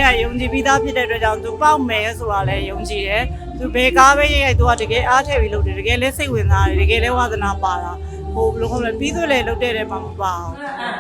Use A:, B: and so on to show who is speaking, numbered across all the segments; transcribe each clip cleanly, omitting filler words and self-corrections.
A: တွေကယုံကြည်ပြီးသားဖြစ်တဲ့အတွက်ကြောင့်သူပေါက်မယ်ဆိုတာလည်းယုံကြည်တယ်သူဘယ်ကားပဲရိုက်သူကတကယ်အားထည့်ပြီးလုပ်တယ်တကယ်လည်းစိတ်ဝင်စားတယ်တကယ်လည်းဝါသနာပါတာဟိုဘယ်လိုခေါ်လဲပြီးသွေးလည်းလုပ်တဲ့တယ်မှမပါအောင်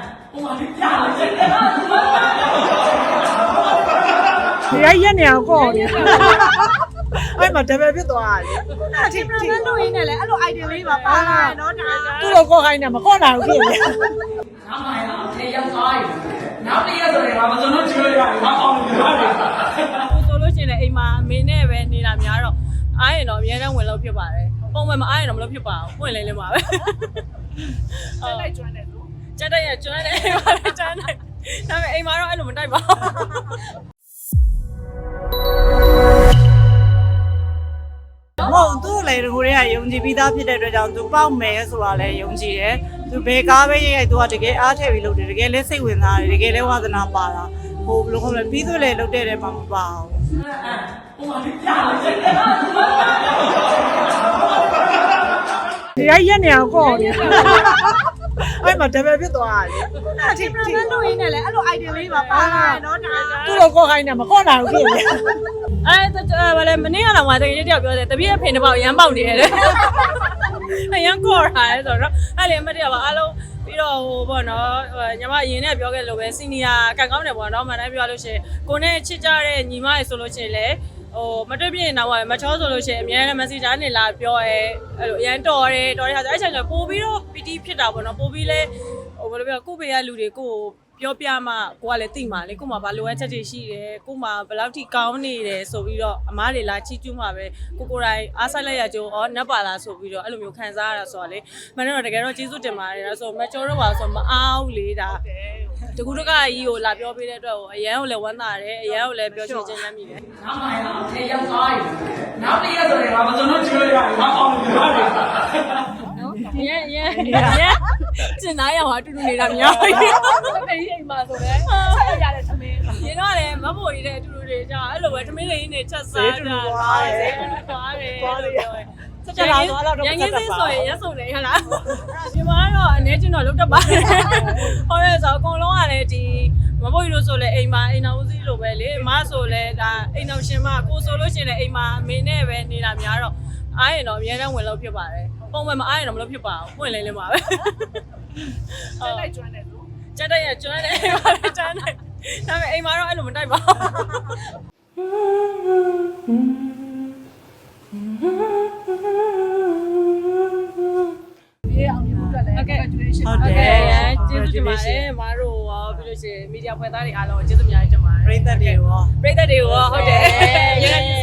A: ဒီရက်နေအောင်ကောနေအဲ့မှာဒဘယ်ဖြစ်သွားတယ်အထီးထီးလို့ရင်းနဲ့လေအဲ့လို idea လေးပါပါလာတယ်နော်ဒါသူ့လိုကောခိုင်းနေမကောနိုင်ဘူးဖြစ်နေ
B: နောက်မှတော့ထေရောက်သွားပြီနောက်တရက်ဆိုရင်ငါမစုံလို့ကျွေးရတယ်ငါအောင်လို့ရတယ်
C: ဆိုလို့ရှိရင်အိမ်မှာအမေနဲ့ပဲနေတာများတော့အားရင်တော့အများနဲ့ဝင်လို့ဖြစ်ပါတယ်ပုံမှန်မအားရင်တော့မလို့ဖြစ်ပါဘူးဝင်လေးလေးပါပဲ
B: တက်လိုက်ကျွမ်းတယ်လို့
C: ကျက်တဲ့ရကျွမ်းတယ်အိမ်မှာလည်းကျွမ်းတယ်ဒါပေမဲ့အိမ်မှာတော့အဲ့လိုမတိုက်ပါဘူး
A: မဟုတ်သူ့လည်းကိုတွေကယုံကြည်ပြီးသားဖြစ်တဲ့အတွက်ကြောင့်သူပေါက်မယ်ဆိုတာလည်းယုံကြည်တယ်သူဘယ်ကားပဲရိုက်သူကတကယ်အားထည့်ပြီးလုပ်တယ်တကယ်လည်းစိတ်ဝင်စားတယ်တကယ်လည်းဝါသနာပါတာဟိုဘယ်လိုခေါ်လဲပြီးသွေးလည်းလုပ်တဲ့တယ်မှမပါအောင်ဒီရက်နေအောင်ကောနေအဲ့မှာဒဘယ်ဖြစ်သွားတယ်အထီးထီးလို့ရင်းနဲ့လေအဲ့လို idea လေးပါပါလာတယ်နော်ဒါသူ့လိုကောခိုင်းနေမကောနိုင်ဘူးဖြစ်နေ
C: အဲ့ဘာလဲမနေ့ကတော့ငါတကယ်တယောက်ပြောတယ်တပည့်အဖေတစ်ပေါက်ရမ်းပေါက်နေရတယ်ရမ်းကောတာလေဆိုတော့အဲ့လေမတည့်ပါအားလုံးပြီးတော့ဟိုပေါ့နော်ညီမအရင်နဲ့ပြောခဲ့လို့ပဲစီနီယာကန်ကောင်းတယ်ပေါ့နော်မှန်တိုင်းပြောလို့ရှိရင်ကိုနဲ့ချစ်ကြတဲ့ညီမရေဆိုလို့ရှိရင်လေဟိုမတွေ့ပြရင်တော့မချောဆိုလို့ရှိရင်အများနဲ့ messenger နေလာပြောရဲအဲ့လိုအရန်တော်တယ်ဟာဆိုအဲ့ချိန်ကျပို့ပြီးတော့ PT ဖြစ်တာပေါ့နော်ပို့ပြီးလဲဟိုဘယ်လိုပြောကိုပေရလူတွေကိုပြောပြမှကိုကလည်းသိမှာလေကိုမှဘာလိုအပ်ချက်တွေရှိတယ်ကိုမှဘယ်လောက်ထိကောင်းနေတယ်ဆိုပြီးတော့အမားတွေလာချီးကျူးမှာပဲကိုတိုင်အားဆိုင်လိုက်ရကြိုးနတ်ပါလားဆိုပြီးတော့အဲ့လိုမျိုးခံစားရတာဆိုတော့လေမနေ့တော့တကယ်တော့ကျေးဇူးတင်ပါတယ်ဆိုတော့မကျော်တော့ပါဆိုမအားလေဒါတကူတကကြီးကိုလာပြောပေးတဲ့အတွက်အရန်ကိုလည်းဝမ်းသာတယ်အရန်ကိုလည်းပြောချင်ချင်လမ်းမိတယ်
B: နောက်မှတော့ထေရောက်သွားပြီနောက်တရက်ဆိုရင်ငါမစုံလို့ကျွေးရတယ်ငါအောင်လို့ရတယ်
C: ကျင်သားရောအတူတူနေတာများပြီ
B: အိမ်မှာဆိုလဲဆက်ရတဲ့သမီး
C: ရင်တော့လည်းမဖို့ရတဲ့အတူတူတွေကြာအဲ့လိုပဲသမီးလေးနေချက်စားကြတာသွားတယ်ဆက်ကြလာတော့တော့ရန်ကင်းစင်းဆိုရင်ရက်စုံနေရလားဒီမှာတော့အနေချင်းတော့လုတ်တတ်ပါတယ်ဟောရဲဆိုအကုန်လုံးကလည်းဒီမဖို့ရလို့ဆိုလဲအိမ်မှာအိမ်တော်ဦးစီးလိုပဲလေအမဆိုလဲဒါအိမ်တော်ရှင်မကိုဆိုလို့ရှိရင်အိမ်မှာအမေနဲ့ပဲနေတာများတော့အားရင်တော့အများနဲ့ဝင်လို့ဖြစ်ပါတယ်ပုံမှန်မအားရင်တော့မလို့ဖြစ်ပါဘူးဝင်လေးလေးပါပဲ
B: တက်လိုက်ကျွမ်းတယ်လို့
C: ကျက်တဲ့ရကျွမ်းတယ်အိမ်မှာလည်းကျွမ်းတယ်ဒါပေမဲ့အိမ်မှာတော့အဲ့လိုမတိုက်ပါ
B: ဘူးဒီအောင်မျိုးအတွက်လည်း congratulations
C: ဟုတ်တယ်ကျေးဇူးတင်ပါတယ်မအားတို့ရောပြီးလို့ရှိရင်မီဒီယာဖွဲ့သားတွေအားလုံးကျေးဇူးအများကြီးတင်ပါတယ်
A: ပရိသတ်တွေရော
C: ဟုတ်တယ်ရန်